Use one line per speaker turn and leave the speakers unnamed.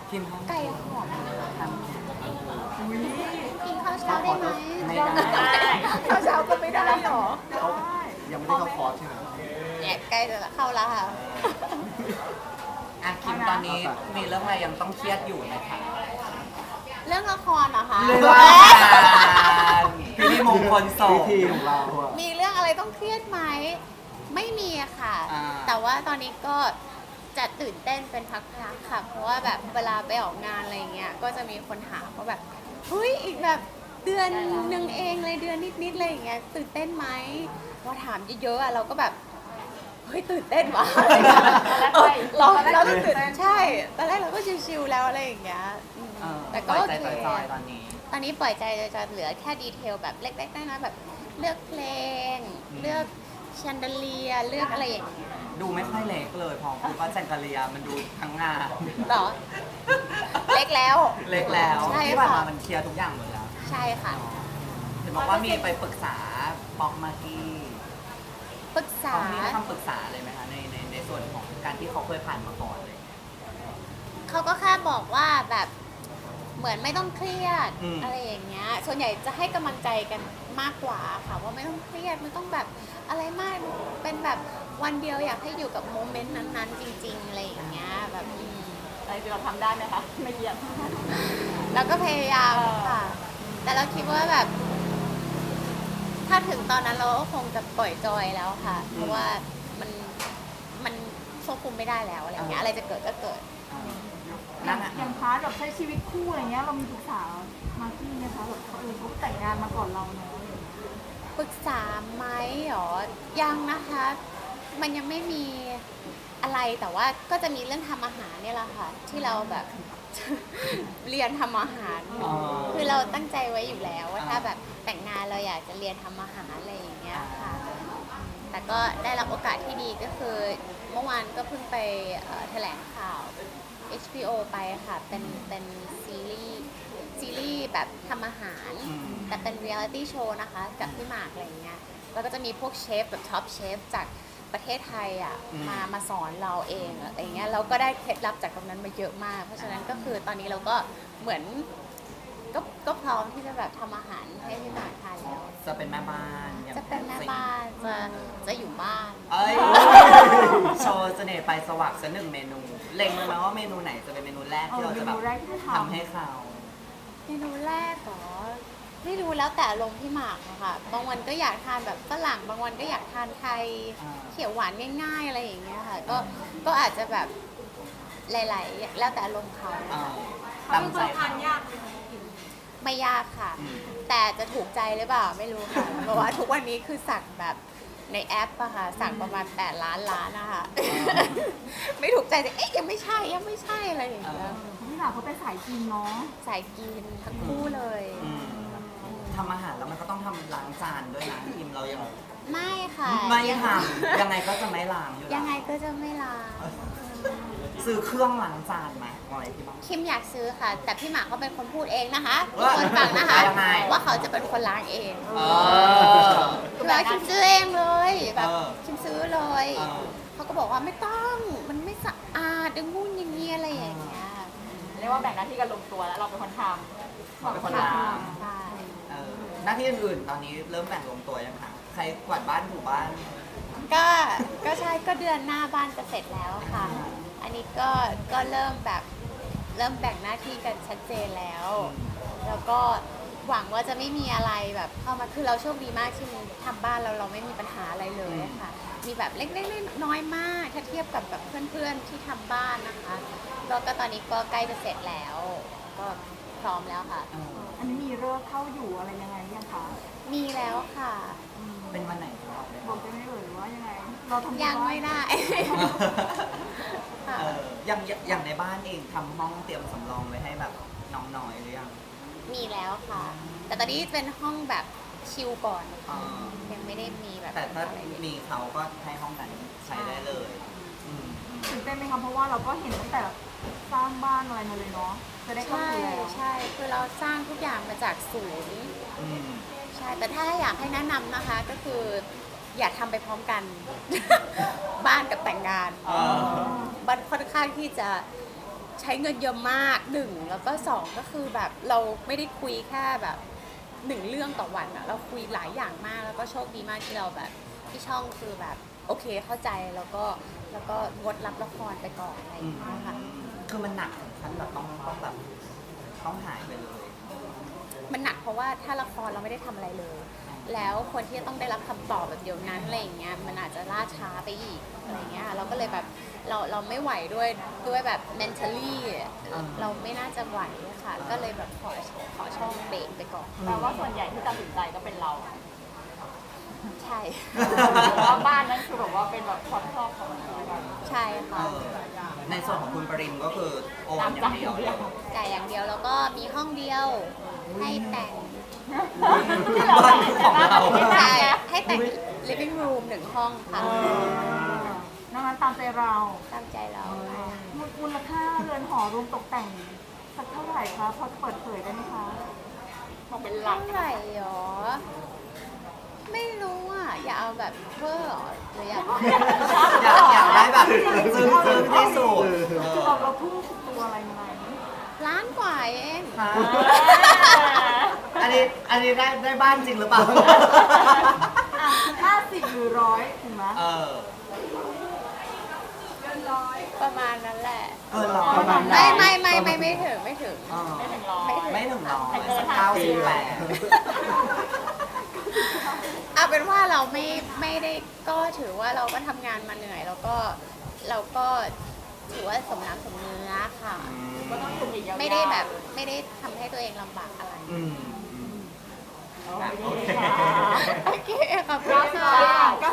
คิม
ไก่หอม
ทำ
กินข้าวเช้าได้ไหม
ไม่ได้
ข้าวเช้าก็ไม่ได้หรอ
เขายังไม่ได้เข้าคอร์สใช่ไหม
เนี่ยใกล้จะเข้าแล้วค่ะ
อ่ะคิมตอนนี้มีเรื่องอะไรยังต้องเครียดอยู่ไหมคะ
เรื่องละครเหรอคะ
เรื่องการพิธีมงคลส
พิ
งฆ์
ธีของเราอะ
มีเรื่องอะไรต้องเครียดไหมไม่มีอะค่ะ
อ่า
แต่ว่าตอนนี้ก็จะตื่นเต้นเป็นพักๆค่ะ เพราะว่าแบบเวลาไปออกงานอะไรเงี้ยก็จะมีคนถามว่าแบบเฮ้ยอีกแบบเดือนหนึ่งเองเลยเดือนนิดๆอะไรอย่างเงี้ยตื่นเต้นไหมพอถามเยอะๆอะเราก็แบบเฮ้ยตื่นเต้นว่ะเราตื่นเต้นใช่ตอนแรกเราก็ชิวๆแล้วอะไรอย่างเงี้ยแต่ก็
ปล่
โอ
อยใจ
เค
จอยๆตอนนี้
ตอนนี้ปล่อยใจจะเหลือแค่ดีเทลแบบเล็กๆน้อยๆแบบเลือกเพลง เลือกแชนเดเลียเลือกอะไรอย่างเงี้ย
ดูไม่ค่อยเล็กเลยพอคุณว่าแจงกะเลียมันดูทั้งงาน
หรอ เล็กแล้ว
เล็กแล้ว
ใช่
ที่ผ่าน
ค่ะ
มามันเคลียร์ทุกอย่างหมดแล้ว
ใช่ค่ะ
เห็นบอกว่ามีไปปรึกษาป๊อกมากกี้
ปรึกษา
เขามีคำปรึกษาเลยไหมคะในส่วนของการที่เขาเคยผ่านมาก่อนเลย
เขาก็แค่บอกว่าแบบเหมือนไม่ต้องเครียด
อืม
อะไรอย่างเงี้ยส่วนใหญ่จะให้กำลังใจกันมากกว่าค่ะว่าไม่ต้องเครียดไม่ต้องแบบอะไรมากเป็นแบบวันเดียวอยากให้อยู่กับโมเมนต์นั้นๆ จริงๆอะไรอย่างเงี้ยแบบ
อะไรที่เราทำได้ไหมคะไม่เกี่ยว
เราก็พยายามค่ะ แต่เราคิดว่าแบบ ถ้าถึงตอนนั้นเราก็คงจะปล่อยจอยแล้วค่ะ เพราะว่ามันควบคุมไม่ได้แล้วอะไรเงี้ยอะไรจะเกิดก็เกิด
นั่นอะ
อย่างพาร์ทแบบใช้ชีวิตคู่อะไรเงี้ยเรามีปรึกษามาร์กี้ไหมคะแบบเขาแต่งงานมาก่อนเราเนาะอะไรอย่างเงี้ย
ปรึกษาไหมหรอ ยังนะคะ มันยังไม่มีอะไรแต่ว่าก็จะมีเรื่องทำอาหารเนี่ยแหละค่ะ ที่เราแบบ เรียนทำอาหาร
อ๋อ
คือเราตั้งใจไว้อยู่แล้วว่าถ้าแบบแต่งงานเราอยากจะเรียนทำอาหารอะไรอย่างเงี้ยค่ะ แต่ก็ได้รับโอกาสที่ดีก็คือเมื่อวานก็เพิ่งไปแถลงข่าว HBO ไปค่ะ เป็นซีรีส์แบบทำอาหาร แต่เป็นเรียลิตี้โชว์นะคะ กับพี่หมากอะไรเงี้ยแล้วก็จะมีพวกเชฟแบบท็อปเชฟจากประเทศไทยอ่ะมาสอนเราเองอะไรเงี้ยเราก็ได้เคล็ดลับจากตรงนั้นมาเยอะมาก เพราะฉะนั้นก็คือตอนนี้เราก็เหมือนก็พร้อมที่จะแบบทำอาหารให้พี่หมากทานแล้ว
จะเป็นแม่บ้านอย่าง
จะเป็นแม่บ้านจะอยู่บ้าน
เอ้ยโชว์เสน่ห์ไปสวักสักหนึ่งเมนู เล็งไว้ไหมว่าเมนูไหนจะเป็นเมนูแรกที่เราจะแบบ
เมนูแรกที่จะทำ
ทำให้เขา
เมนูแรกเหรอไม่รู้แล้วแต่อารมณ์พี่หมากอะค่ะบางวันก็อยากทานแบบฝรั่งบางวันก็อยากทานไทยเขียวหวานง่ายๆอะไรอย่างเงี้ยค่ะก็อาจจะแบบหลายๆแล้วแต่อารมณ์เขา
เอ่อตามใจเขา
ไม่ยากค่ะ
อืม
แต่จะถูกใจหรือเปล่าไม่รู้ค่ะ เพราะว่าทุกวันนี้คือสั่งแบบในแอปอะค่ะสั่งประมาณ8 ล้านล้านนะคะ ไม่ถูกใจแต่เอ๊ะยังไม่ใช่อะไรอย่างเงี้ย
พี่หนาเขาเป็นสายกินเนาะ
สายกินทั้งคู่เลย
อืมทำอาหารแล้วมันก็ต้องทำล้างจานด้วยนะทีมเรายัง
ไม่ค่ะ
ไม่ทำยังไงก็จะไม่ล้างอยู่แล้ว
ยังไงก็จะไม่ล้าง
ซื้อเครื่องล้างจานไหมอะไรที่บ้าน
คิมอยากซื้อค่ะ แต่พี่หมากเขาเป็นคนพูดเองนะคะ
ว่า
คนฟังนะคะ
ยังไง
ว่าเขาจะเป็นคนล้างเอง
เออ
คือว่าคิมซื้อเองเลยแบบ
เออ
คิมซื้อเลย
เออ
เขาก็บอกว่าไม่ต้องมันไม่สะอาดอย่างงู้นอย่างนี้อะไรอย่างเงี้ย
เรียกว่าแบ่งหน้าที่กันลงตัวแล้วเราเป็นคนท
เขาเป็นคนล้าง
ใช่
เออหน้าที่อื่นๆตอนนี้เริ่มแบ่งลงตัวยังคะใครกวาดบ้านถูบ้าน
ก็ใช่ก็เดือนหน้าบ้านจะเสร็จแล้วค่ะ อันนี้ก็เริ่มแบบเริ่มแบ่งหน้าที่กันชัดเจนแล้ว แล้วก็หวังว่าจะไม่มีอะไรแบบเข้ามาคือเราโชคดีมากที่ทำบ้านเราไม่มีปัญหาอะไรเลยค่ะ มีแบบเล็กๆน้อยๆมากถ้าเทียบกับแบบเพื่อนๆที่ทำบ้านนะคะแล้วก็ตอนนี้ก็ใกล้จะเสร็จแล้ว ก็พร้อมแล้วค่ะ
เออ
ำอันนี้มีเลิกเข้าอยู่อะไรยังไงยังคะ
มีแล้วค่ะ
เป็นวันไหนครับ
บอกได้ไหมเอ่ยว่ายังไง เราทำ
ยังไม่ได้ ค่ะ
เอออย่างในบ้านเองทำห้องเตรียมสำรองไว้ให้แบบน้องน้อยหรือยัง
มีแล้วค่ะ แต่ตอนนี้เป็นห้องแบบชิลก่อน
อ๋อ
ยังไม่ได้มีแบบ
แต่ถ้า
อะไรเลย
มีเขาก็ให้ห้องนั้นใช้ได้เลยอืม
ตื่นเต้นไหมคะเพราะว่าเราก็เห็นตั้งแต่สร้างบ้านอะไรมาเลยเนาะจะได้เข้า
ใช่
อยู่แล้ว
ใช่คือเราสร้างทุกอย่างมาจากศูนย์
อืม
ใช่ แต่ถ้าอยากให้แนะนำนะคะก็คืออย่าทำไปพร้อมกัน บ้านกับแต่งงาน
อ๋อ
บ้านค่อนข้างที่จะใช้เงินเยอะมากหนึ่งแล้วก็สองก็คือแบบเราไม่ได้คุยแค่แบบหนึ่งเรื่องต่อวันอะเราคุยหลายอย่างมากแล้วก็โชคดีมากที่เราแบบที่ช่องคือแบบโอเคเข้าใจแล้วก็งดรับละครไปก่อนอะไรอย่างเงี้ยค่ะ
คือมันหนักถึงขั้นแบบต้องแบบต้องหายไปเลย
มันหนักเพราะว่าถ้าละครเราไม่ได้ทำอะไรเลย แล้วคนที่จะต้องได้รับคำตอบแบบเดียวนั้นอะไรอย่างเงี้ยมันอาจจะล่าช้าไปอีกอะไรเงี้ยเราก็เลยแบบเราไม่ไหวด้วยแบบ mentally เราไม่น่าจะไหวค่ะ ก็เลยแบบขอช่องเบรกไปก่อน
แปลว่าส่วนใหญ่ที่ตัดสินใจก็เป็นเรา
ใช่
เพราะว่าบ้านนั้นคือแบบว่าเป็นแบบความชอบของเรากัน
ใช่ค่ะ
ในส่วนของคุณปริมก็คือโอนอย่างเดียวเลย
จ่ายอย่างเดียวแล้วก็มีห้องเดียวให้แต่ง
บ้านของเรา
ใช่ให้แต่ง living room 1 ห้องค่ะ
นอกนั้นตามใจเรา
ตามใจเรา
มูลค่าเรือนหอรวมตกแต่งสักเท่าไหร่คะพอเปิดเผยได้ไหมคะบอกเป็นหลั
เท่าก ไหร่หรอ ไม่รู้อ่ะ อย่าเอาแบบเวอร์หรอหรืออยาก
อยากได้แบบซึ้งที่สุด
คือเราทุ่มสุดตัวอะไรไหม
ล้านกว่าเอง
อันนี้ได้บ้านจริงหรือเปล่า
50 หรือ 100ถึงไหม
เออ
ประมาณนั้นแหละ
เออร้อย
ประมาณ
ไม่ถึง
เออ
ไม่ถึงร้อย
ไม่ถึงร้อย
แต่เกิน
98
เอาเป็นว่าเราไม่ได้ก็ถือว่าเราก็ทำงานมาเหนื่อยแล้วก็เราก็ถือว่าสมน้ำสมเนื้อค่ะ
ก็ต้องอยู่อีกยาวๆ
ไม่ได้แบบไม่ได้ทำให้ตัวเองลำบากอะไร
อืม
โอเค
โอเคขอบคุณ
ก็
ค่ะ
ก็